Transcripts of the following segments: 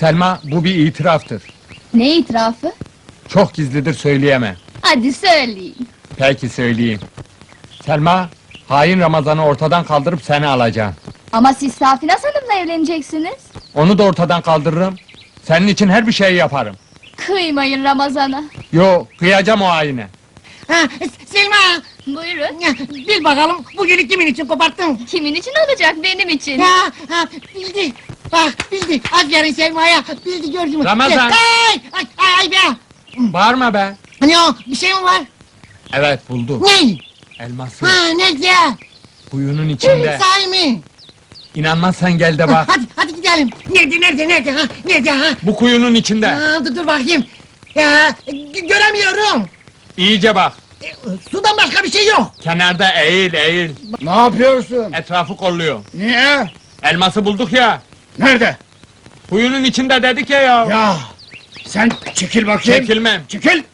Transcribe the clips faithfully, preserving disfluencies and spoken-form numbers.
Selma, bu bir itiraftır. Ne itirafı? Çok gizlidir, söyleyemem. Hadi söyleyin. Peki söyleyeyim. Selma, hain Ramazan'ı ortadan kaldırıp seni alacağım. Ama siz Safinaz Hanım'la evleneceksiniz. Onu da ortadan kaldırırım. Senin için her bir şeyi yaparım. Kıymayın Ramazan'a. Yo, kıyacağım o haine. Ha, Selma! Buyurun. Ya, bil bakalım, bu gülü kimin için koparttın? Kimin için olacak, benim için. Ya, ha, bildi! Bak, bildi! Aferin Selma'ya! Bildi, gördün mü? Ramazan! Ay, ay, ay, ay be! Bağırma be! Hani o, bir şey mi var? Evet, buldum. Ne? Elması, Ha, ne güzel! kuyunun içinde. Sahi mi? İnanmazsan gel de Ha, bak. hadi, hadi gidelim! Nerede, nerede, nerede, ha? Nerede, ha? Bu kuyunun içinde. Ha, dur, dur bakayım! Ya, gö- göremiyorum! İyice bak. E, sudan başka bir şey yok! Kenarda eğil, eğil. Ne yapıyorsun? Etrafı kolluyor. Niye? Elması bulduk ya. Nerede? Kuyunun içinde dedik ya ya. Ya sen çekil bakayım. Çekilmem. Çekil.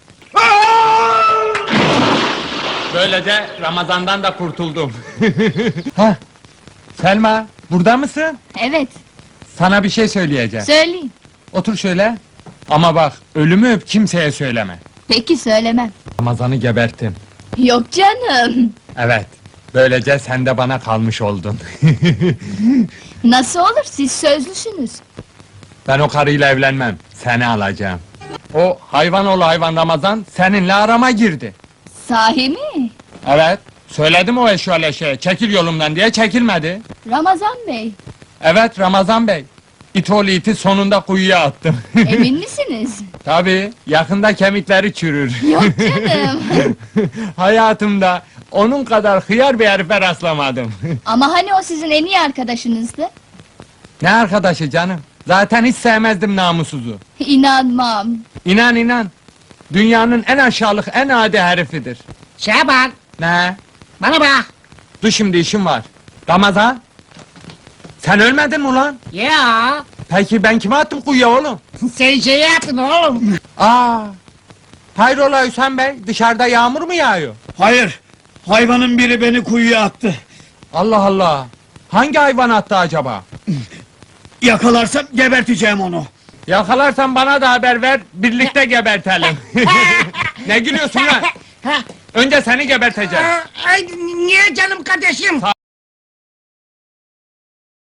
Böylece Ramazan'dan da kurtuldum. Hah. Selma, burada mısın? Evet, Sana bir şey söyleyeceğim. söyleyin. Otur şöyle. Ama bak, ölümü öp, kimseye söyleme. Peki söylemem. Ramazan'ı geberttim. Yok canım. Evet. Böylece sen de bana kalmış oldun. Nasıl olur, siz sözlüsünüz. Ben o karıyla evlenmem. Seni alacağım. O hayvan oğlu hayvan Ramazan seninle arama girdi. Sahi mi? Evet. Söyledim o eşyale şeye, çekil yolumdan diye çekilmedi. Ramazan Bey, Evet Ramazan Bey. İt oğlu iti sonunda kuyuya attım. emin misiniz? Tabii, yakında kemikleri çürür. Yok canım. Hayatımda onun kadar hıyar bir herife rastlamadım. Ama hani o sizin en iyi arkadaşınızdı? Ne arkadaşı canım? Zaten hiç sevmezdim namussuzu. İnanmam. İnan inan. Dünyanın en aşağılık, en adi herifidir. Şaban, Ne? bana bak! Dur şimdi işim var. Ramazan? Sen ölmedin mi ulan? Ya, Peki ben kime attım kuyuya oğlum? sen şey yaptın oğlum! Aa! Hayrola Hüseyin Bey, dışarıda yağmur mu yağıyor? Hayır. Hayvanın biri beni kuyuya attı. Allah Allah! Hangi hayvan attı acaba? Yakalarsam geberteceğim onu. Yakalarsan bana da haber ver, birlikte gebertelim. Ne gülüyorsun lan? Ha, Önce seni geberteceğim. Ay, niye canım kardeşim?